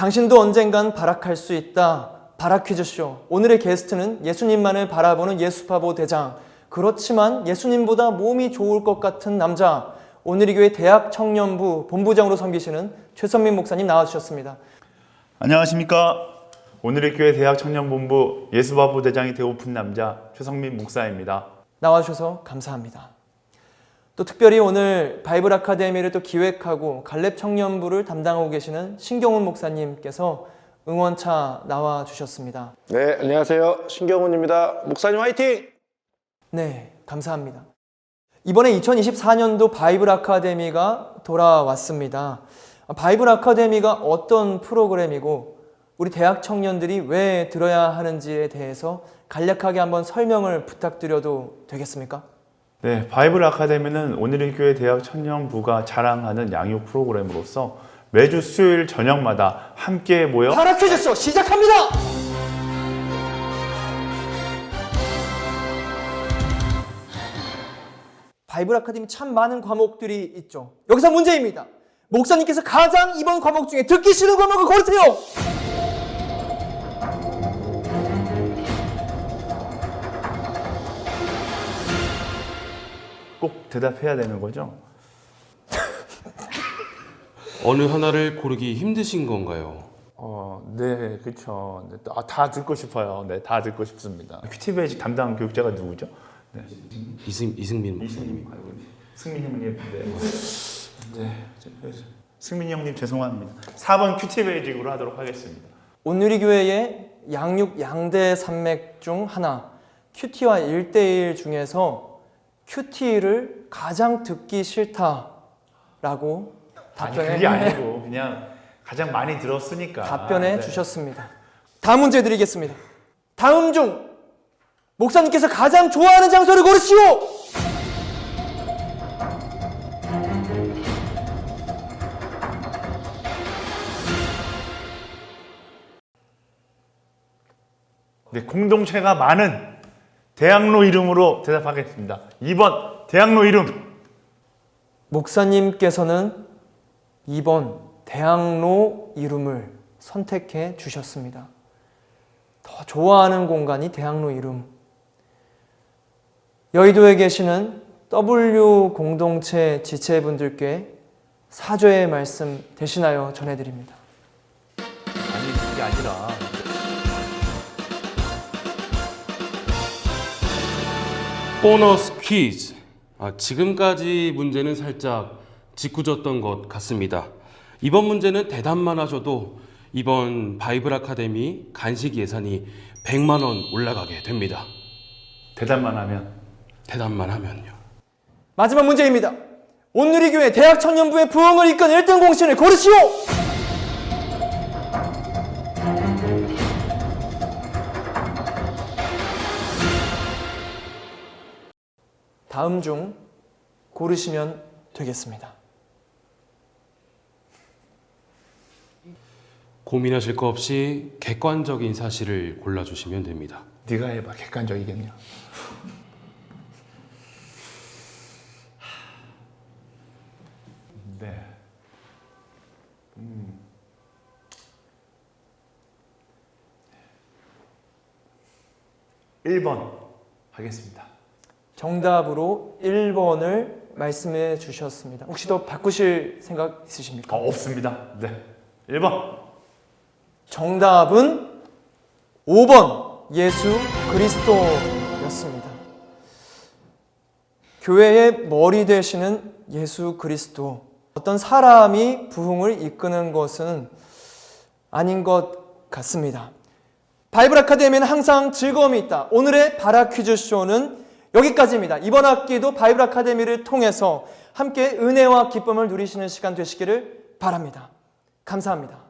당신도 언젠간 발악할 수 있다. 발악퀴즈쇼. 오늘의 게스트는 예수님만을 바라보는 예수파보 대장. 그렇지만 예수님보다 몸이 좋을 것 같은 남자. 오늘의 교회 대학 청년부 본부장으로 섬기시는 최선민 목사님 나와주셨습니다. 안녕하십니까. 오늘의 교회 대학 청년본부 예수파보 대장이 되고픈 남자 최성민 목사입니다. 나와주셔서 감사합니다. 또 특별히 오늘 바이블 아카데미를 또 기획하고 갈렙 청년부를 담당하고 계시는 신경훈 목사님께서 응원차 나와주셨습니다. 네, 안녕하세요. 신경훈입니다. 목사님 화이팅! 네, 감사합니다. 이번에 2024년도 바이블 아카데미가 돌아왔습니다. 바이블 아카데미가 어떤 프로그램이고 우리 대학 청년들이 왜 들어야 하는지에 대해서 간략하게 한번 설명을 부탁드려도 되겠습니까? 네, 바이블 아카데미는 오늘의 교회 대학 청년부가 자랑하는 양육 프로그램으로서 매주 수요일 저녁마다 함께 모여 발악퀴즈쇼 시작합니다! 바이블 아카데미 참 많은 과목들이 있죠. 여기서 문제입니다. 목사님께서 가장 이번 과목 중에 듣기 싫은 과목을 고르세요. 꼭 대답해야 되는 거죠? 어느 하나를 고르기 힘드신 건가요? 네, 그렇죠. 네, 다 듣고 싶어요. 네, 다 듣고 싶습니다. 큐티베이직 담당 교육자가 누구죠? 네. 이승민 목사님. 승민 형님. 승민 형님 죄송합니다. 4번 큐티베이직으로 하도록 하겠습니다. 온누리 교회의 양육 양대 산맥 중 하나, 큐티와 1대1 중에서 큐티를 가장 듣기 싫다라고 그게 아니고 그냥 가장 많이 들었으니까 답변해 주셨습니다. 다음 문제 드리겠습니다. 다음 중 목사님께서 가장 좋아하는 장소를 고르시오. 네, 공동체가 많은 대학로 이름으로 대답하겠습니다. 2번 대학로 이름. 목사님께서는 2번 대학로 이름을 선택해 주셨습니다. 더 좋아하는 공간이 대학로 이름. 여의도에 계시는 W 공동체 지체분들께 사죄의 말씀 되시나요? 전해드립니다. 아니 그게 아니라 보너스 퀴즈. 지금까지 문제는 살짝 짓궂었던 것 같습니다. 이번 문제는 대답만 하셔도 이번 바이블 아카데미 간식 예산이 100만 원 올라가게 됩니다. 대답만 하면. 대답만 하면요. 마지막 문제입니다. 온누리 교회 대학 청년부의 부흥을 이끈 1등 공신을 고르시오. 다음 중 고르시면 되겠습니다. 고민하실 거 없이 객관적인 사실을 골라주시면 됩니다. 네가 해봐. 객관적이겠냐. 네. 1번 하겠습니다. 정답으로 1번을 말씀해 주셨습니다. 혹시 더 바꾸실 생각 있으십니까? 없습니다. 네. 1번. 정답은 5번 예수 그리스도였습니다. 교회의 머리 되시는 예수 그리스도. 어떤 사람이 부흥을 이끄는 것은 아닌 것 같습니다. 바이블 아카데미는 항상 즐거움이 있다. 오늘의 바라 퀴즈 쇼는 여기까지입니다. 이번 학기도 바이블 아카데미를 통해서 함께 은혜와 기쁨을 누리시는 시간 되시기를 바랍니다. 감사합니다.